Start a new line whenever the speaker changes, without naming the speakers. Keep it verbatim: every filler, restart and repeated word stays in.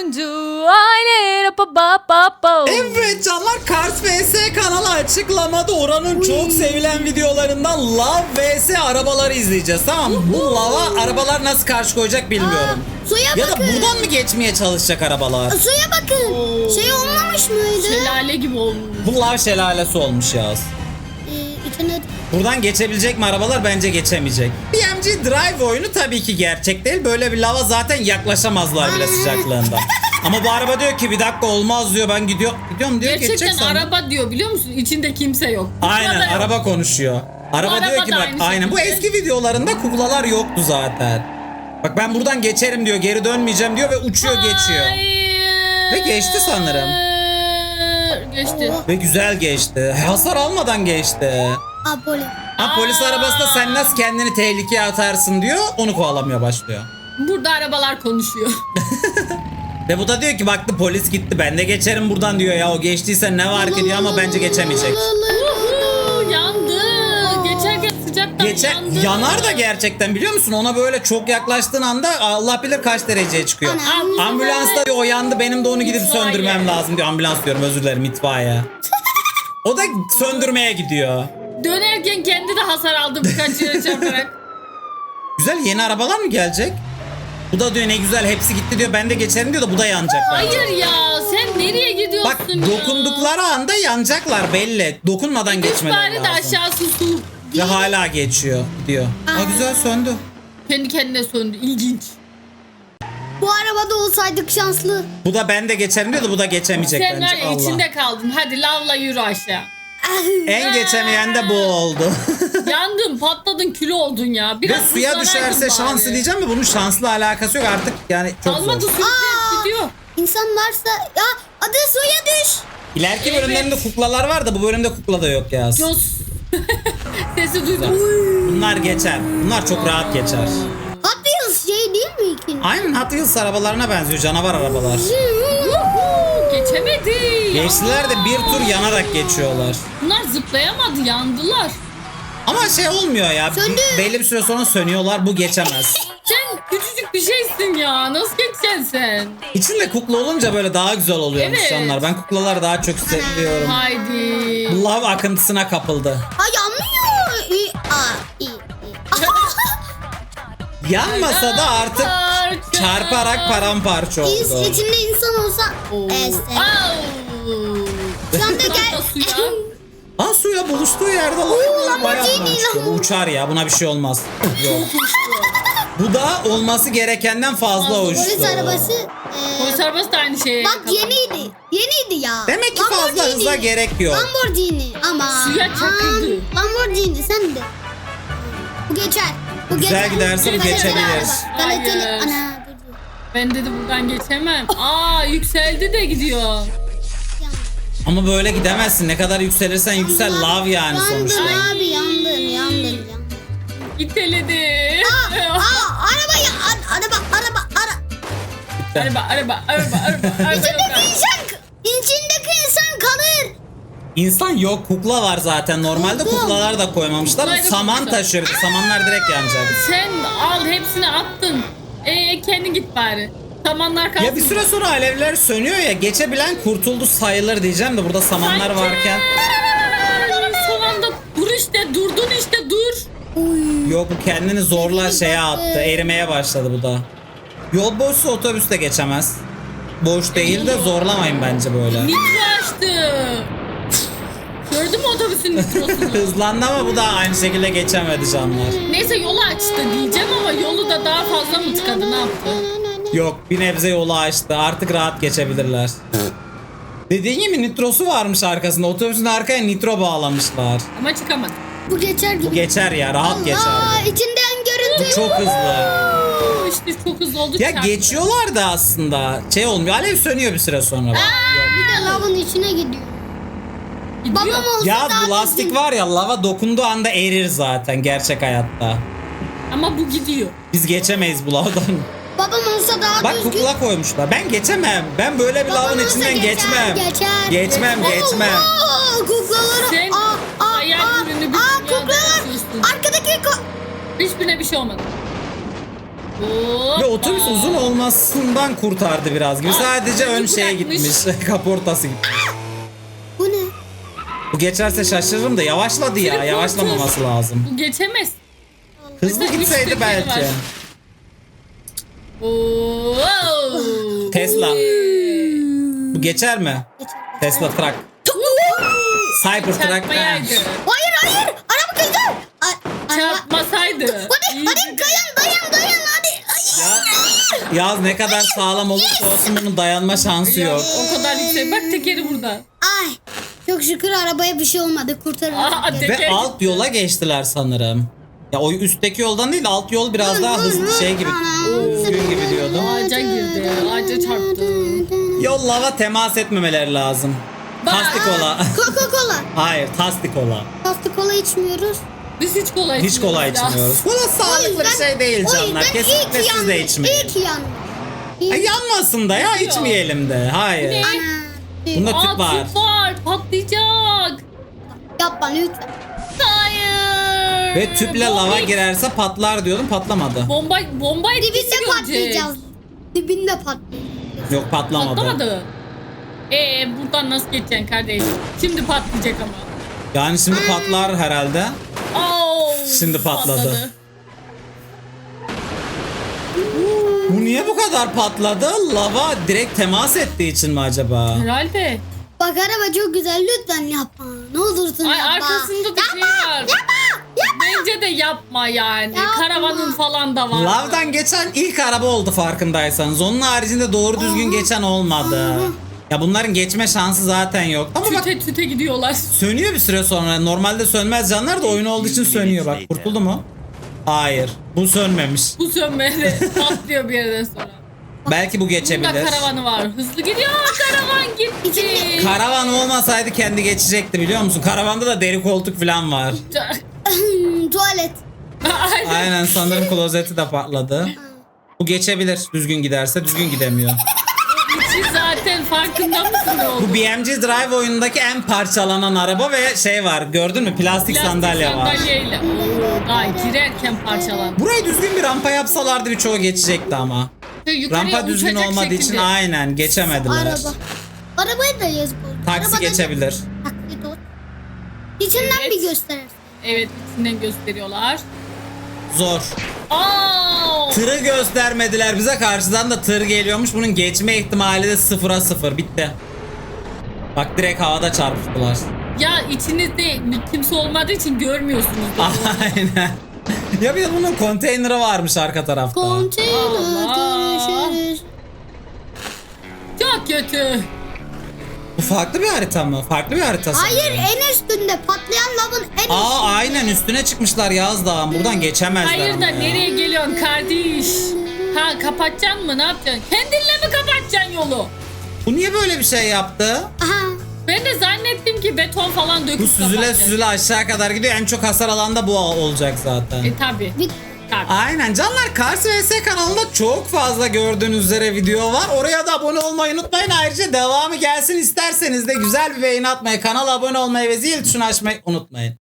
oyuncu aile. Pa, pa, pa, pa.
Evet canlar, Cars vs kanalı açıklamada Orhan'ın çok sevilen videolarından Love vs arabaları izleyeceğiz, tamam mı? Bu Love'a arabalar nasıl karşı koyacak bilmiyorum.
Aa, suya
ya
bakın.
da buradan mı geçmeye çalışacak arabalar?
Suya bakın.
Oo.
Şey olmamış mıydı?
Şelale gibi olmuş.
Bu Love şelalesi olmuş ya.
Ee, içine...
Buradan geçebilecek mi arabalar? Bence geçemeyecek. B M G Drive oyunu tabii ki gerçek değil. Böyle bir lava zaten yaklaşamazlar bile sıcaklığında. Ama bu araba diyor ki bir dakika olmaz diyor, ben gidiyor, gidiyorum diyor.
Gerçekten
geçecek sandım.
araba diyor, biliyor musun? İçinde kimse yok.
Aynen,
Kuklada yok.
araba konuşuyor. Araba
araba
diyor ki
da
bak
aynı
aynen bu
şekilde.
eski videolarında kuklalar yoktu zaten. Bak ben buradan geçerim diyor, geri dönmeyeceğim diyor ve uçuyor geçiyor.
Hayır.
Ve geçti sanırım.
Geçti.
Ve güzel geçti. Hasar almadan geçti.
Aa, polis.
Ha, polis
Aa.
arabası da sen nasıl kendini tehlikeye atarsın diyor, onu kovalamaya başlıyor.
Burada arabalar konuşuyor.
Ve bu da diyor ki baktı polis gitti, ben de geçerim buradan diyor ya, o geçtiyse ne var ki diyor ama bence geçemeyecek.
Uhu, yandı. Geçerken sıcaktan
Geçer,
yandı.
yanar da gerçekten, biliyor musun? Ona böyle çok yaklaştığın anda Allah bilir kaç dereceye çıkıyor.
Ana.
Ambulansta diyor o yandı, benim de onu gidip
İtfaiye.
söndürmem lazım diyor. Ambulans diyorum, özür dilerim, itfaiye. O da söndürmeye gidiyor.
Dönerken kendi de hasar aldı birkaç yere çarparak.
Güzel, yeni arabalar mı gelecek? Bu da diyor ne güzel hepsi gitti diyor, ben de geçerim diyor da bu da yanacak bence.
Hayır ya, sen nereye gidiyorsun
Bak
ya?
dokundukları anda yanacaklar belli. Dokunmadan
Üç
geçmeleri
bari de
lazım.
aşağısı su.
Ve hala geçiyor diyor. Aa, güzel söndü.
Kendi kendine söndü. İlginç.
Bu arabada olsaydık şanslı.
Bu da ben de geçerim diyor da bu da geçemeyecek
Sen var
bence.
ya
Allah.
içinde kaldın. Hadi lavla yürü aşağı.
En geçemeyen de bu oldu.
Yandın, patladın, kül oldun ya.
Ve
Biraz
suya
hızlanaydın
düşerse
bari.
şanslı diyeceğim de bunun şanslı alakası yok artık, yani çok
Kalmadı,
zor.
sürükleyip gidiyor.
İnsan varsa... Ya adı suya düş.
İleriki
Evet.
bölümlerinde kuklalar var da bu bölümde kukla da yok ya.
Jos. Sesi duydum.
Bunlar geçer. Bunlar çok rahat geçer.
Hot Wheels şey değil mi ikinci?
Aynen Hot Wheels arabalarına benziyor, canavar arabalar.
Yuhu, geçemedi.
Geçtiler de
Ya.
bir tur yanarak geçiyorlar.
Bunlar zıplayamadı, yandılar.
Ama şey olmuyor ya.
Söndü.
bir- belli bir süre sonra sönüyorlar, bu geçemez.
Sen küçücük bir şeysin ya. Nasıl geçeceksin sen?
İçinde kukla olunca böyle daha güzel oluyormuş
Evet.
canlar. Ben kuklaları daha çok seviyorum.
Haydi.
Love akıntısına kapıldı.
Ha yanmıyor. İyi. Aa, iyi, iyi.
Yanmasa da artık
Parça.
çarparak paramparça
İns-
oldu.
içinde insan olsa...
Oo.
Este.
Au.
Şu anda
Atla
gel...
suya.
Ha, suya buluştuğu yerde Love bayağı
Lamborghini,
uçuyor. Bu uçar ya, buna bir şey olmaz. Yok. Bu da olması gerekenden fazla
Fazla.
uçtu.
Polis arabası... e,
Polis arabası da aynı şeye.
bak yeniydi. Yeniydi ya.
Demek ki fazla
Lamborghini.
hıza gerek yok.
Lamborghini ama...
Suya çakıldı.
Lamborghini sen de. Bu geçer. Bu
Güzel
geçer.
giderse bu
Kaliteli
geçebilir.
araba. Kaliteli...
Hayır.
Ana dur dur.
Ben dedi buradan geçemem. Aa, yükseldi de gidiyor.
Yandım.
Ama böyle gidemezsin. Ne kadar yükselirsen yüksel, Love yani sonuçta.
Yandın abi yandın yandın yandın.
İteledi.
Aa araba ya a- araba araba ara.
araba, araba, araba, araba, araba.
İçindeki insan içindeki insan kalır.
İnsan yok, kukla var zaten. Normalde
Kukla.
kuklalar da koymamışlar.
Kuklayı da
Saman
koymuşlar.
taşıyor. Samanlar direkt yanacak.
Sen al, hepsini attın. Ee, kendin git bari. Samanlar kalsın.
Ya bir süre sonra alevler sönüyor ya, geçebilen kurtuldu sayılır diyeceğim de burada samanlar
Sanki.
varken.
Son anda dur işte, durdun işte, dur.
Yok, bu kendini zorla şeye attı. Erimeye başladı bu da. Yol boşsa otobüs de geçemez. Boş değil de zorlamayın bence böyle.
Nitro açtı. Gördün mü otobüsün nitrosunu?
Hızlandı ama bu da aynı şekilde geçemedi canlar.
Neyse yolu açtı diyeceğim ama yolu da daha fazla mı tıkadı, ne yaptı?
Yok, bir nebze yolu açtı. Artık rahat geçebilirler. Dediğin gibi nitrosu varmış arkasında. Otobüsün arkaya nitro bağlamışlar.
Ama çıkamadı.
Bu geçer gibi.
Bu geçer ya, rahat geçer.
Aa içinden görüntü.
Bu çok hızlı.
Oo, işte çok hızlı oldu.
Ya
çarptı.
geçiyorlar da aslında şey olmuyor. Alev sönüyor bir süre sonra. bak.
Bir de lavın içine gidiyor.
Gidiyor.
Babam olsa
Ya
daha
bu lastik
düzgün.
var ya, lava dokunduğu anda erir zaten gerçek hayatta.
Ama bu gidiyor.
Biz geçemeyiz bu lavdan.
Babam olsa daha
Bak
düzgün.
kukla koymuşlar. Ben geçemem. Ben böyle bir
Babam
lavın
olsa
içinden
geçer,
geçmem.
Geçer.
Geçmem, geçmem.
Oo, kuklaları.
Sen
aa, aa,
hayal
aa,
ürünü bir
aa,
dünyada
kuklalar.
yaşıyorsun.
Arkadaki ko-
Hiçbirine bir şey olmadı.
Ve otobüs uzun olmasından kurtardı biraz gibi. Sadece ön şeye gitmiş. Kaportası gitmiş.
Bu ne?
Bu geçerse şaşırırım da yavaşladı ya.
Triportör.
Yavaşlamaması lazım.
Bu geçemez.
Hızlı
Mesela üç
gitseydi
tekeri
belki.
var. Oo.
Tesla. Bu geçer mi?
Geçer.
Tesla Truck. Cybertruck.
Çarpmayaydı.
Hayır hayır. Araba kaydı. A- araba-
Çarpmasaydı.
Hadi
İyiydi
hadi
de.
dayan dayan dayan hadi. Ay.
Ya, Yaz ne kadar sağlam olursa olsun bunun dayanma şansı
Ya,
yok.
o kadar yüksek. Bak tekeri burada.
Ay. Çok şükür arabaya bir şey olmadı. Kurtarıldı.
Aa, de-
Ve
Teker
alt yola geçtiler sanırım. Ya o üstteki yoldan değil, alt yol biraz daha hızlı şey gibi. Düzgün gibi diyordum.
Ağaca girdi. Ağaca çarptı.
Yol lava temas etmemeleri lazım.
Bak.
Tastik ola.
Coca-Cola.
Hayır, tastik ola.
Tatlı kola içmiyoruz.
Biz hiç kolay
Hiç kolay içmiyoruz. Bu da sağlıklı bir şey değil
o
canlar.
yüzden iyi
Kesinlikle
ki
siz
yandım.
de içmeyin.
İyi ki yandım.
Ay, yanmasın da ya, içmeyelim de. Hayır.
Ne?
Bunda
Aa,
tüp var.
tüp var. Patlayacak.
Yapma lütfen.
Hayır.
Ve tüple lava
Bomba-
girerse patlar diyordum, patlamadı.
Bomba, bomba etkisi
Dibinde
görecek.
patlayacağız. Dibinde patlayacağız.
Yok, patlamadı.
Patlamadı. Ee buradan nasıl geçeceksin kardeş? Şimdi patlayacak ama.
Yani şimdi patlar herhalde.
Oo,
Şimdi patladı. Bu niye bu kadar patladı? Lava direkt temas ettiği için mi acaba?
Herhalde.
Bak araba çok güzel lütfen yapma. Ne olursun
Ay
yapma.
arkasında da şey var. Bence de yapma yani.
Yapma.
Karavanın falan da var.
Lavdan geçen ilk araba oldu farkındaysanız. Onun haricinde doğru düzgün geçen olmadı. Ya bunların geçme şansı zaten yok. Ama bak
Tüte tüte gidiyorlar.
sönüyor bir süre sonra. Normalde sönmez canlar da oyun olduğu için sönüyor. Bak kurtuldu mu? Hayır. Bu sönmemiş.
Bu sönmeli patlıyor bir yerden sonra.
Belki bu
Bunda
geçebilir.
karavanı var. Hızlı gidiyor. Karavan gitti.
Karavan olmasaydı kendi geçecekti biliyor musun? Karavanda da deri koltuk falan var.
Tuvalet.
Aynen.
Aynen, sanırım klozeti de patladı. Bu geçebilir düzgün giderse, düzgün gidemiyor.
İçi zaten farkında mısın ne oldu?
Bu B M G Drive oyunundaki en parçalanan araba ve şey var, gördün mü, plastik,
Plastik
sandalye var.
sandalyeyle. Oo, daha girerken parçalandı.
Burayı düzgün bir rampa yapsalardı birçoğu geçecekti ama.
Yukarıya
Rampa düzgün
uçacak
olmadığı için
şekilde.
aynen geçemediler.
Araba. Arabayı da yazık oldu.
Taksi
Arabada
geçebilir.
Taklit ol. İçinden
Evet.
bir gösterirsin.
Evet içinden gösteriyorlar.
Zor.
Aa!
Tırı göstermediler bize, karşıdan da tır geliyormuş. Bunun geçme ihtimali de sıfıra sıfır, bitti. Bak direkt havada çarpıştılar.
Ya içinizde kimse olmadığı için görmüyorsunuz. da.
Aynen. Ya bir de bunun konteyneri varmış arka tarafta.
Konteyner
Allah.
görüşürüz.
Çok kötü.
Bu farklı bir harita mı? Farklı bir harita sanırım.
Hayır en üstünde patlayan lavın en
Aa
üstünde.
aynen, üstüne çıkmışlar Yaz Dağı'nın. Buradan geçemezler
Hayır
ama
da
ya.
nereye geliyorsun kardeş? Ha kapatacaksın mı ne yapacaksın? Kendinle mi kapatacaksın yolu?
Bu niye böyle bir şey yaptı?
Aha.
Ben de zannettim ki beton falan döküp
Bu süzüle
kapatacak.
süzüle aşağı kadar gidiyor. En çok hasar alan da bu olacak zaten.
E tabi.
Bir
Tabi.
Aynen canlar, Kars V S kanalında çok fazla gördüğünüz üzere video var. Oraya da abone olmayı unutmayın. Ayrıca devamı gelsin isterseniz de güzel bir beğeni atmayı, kanala abone olmayı ve zil tuşunu açmayı unutmayın.